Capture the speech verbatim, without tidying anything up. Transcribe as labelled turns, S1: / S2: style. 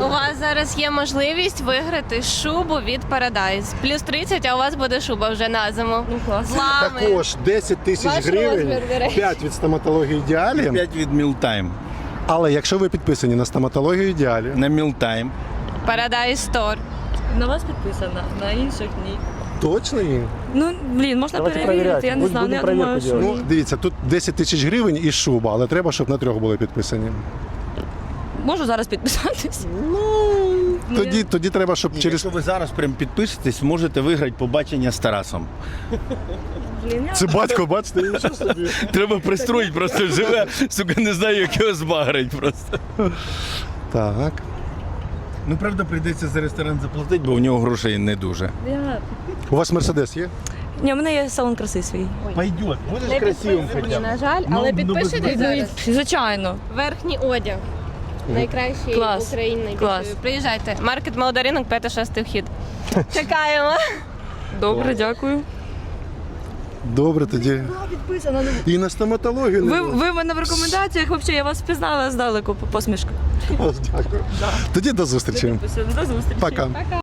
S1: У вас зараз є можливість виграти шубу від Paradise. Плюс тридцять, а у вас буде шуба вже на зиму.
S2: Ну клас.
S1: З лами.
S3: Також десять тисяч
S1: Ваш
S3: гривень,
S1: розмір, до речі.
S3: п'ять від стоматології Ідеалі.
S4: п'ять від Мілтайм.
S3: Але якщо ви підписані на стоматологію Ідеалі,
S4: На Мілтайм.
S1: Paradise Store.
S2: На вас підписано, на інших ні.
S3: точно ні?
S2: Ну, блін, можна
S5: Давайте
S2: перевірити,
S5: перевіряти.
S2: я не
S5: Будь-
S2: знаю,
S5: будемо
S2: я думаю,
S5: перевірку
S2: що
S5: делать.
S3: Ну,
S2: ні.
S3: дивіться, тут десять тисяч гривень і шуба, але треба, щоб на трьох були підписані.
S2: Можу зараз підписатись?
S3: Тоді, тоді треба, щоб
S4: Ні,
S3: через...
S4: Якщо ви зараз прям підпишетесь, можете виграти побачення з Тарасом.
S2: Блін, я...
S3: Це батько, бачите, нічого собі.
S4: Треба пристроїть, просто живе, сука, не знаю, як його збагрить просто.
S3: Так.
S4: Ну, правда, прийдеться за ресторан заплатити, бо у нього грошей не дуже.
S2: я...
S3: У вас Мерседес є?
S2: Ні, у мене є салон краси свій.
S4: Пойдет, будеш
S1: Не
S4: красивим
S1: підписані,
S4: хоча б.
S1: на жаль,
S4: Ну,
S1: але
S4: ну,
S1: підпишіть зараз.
S2: Звичайно.
S1: Верхній одяг. Найкращий
S2: Клас.
S1: в Україні.
S2: Клас.
S1: Приїжджайте. Маркет Молодий ринок, п'ятий-шостий вхід. Чекаємо.
S2: Добре, дякую.
S3: Добре, тоді.
S2: Підписано.
S3: І на стоматологію не
S2: Ви,
S3: було.
S2: ви в мене в рекомендаціях, взагалі, я вас впізнала здалеку по посмішку.
S3: Дякую. Тоді до зустрічі.
S2: До зустрічі.
S3: Пока.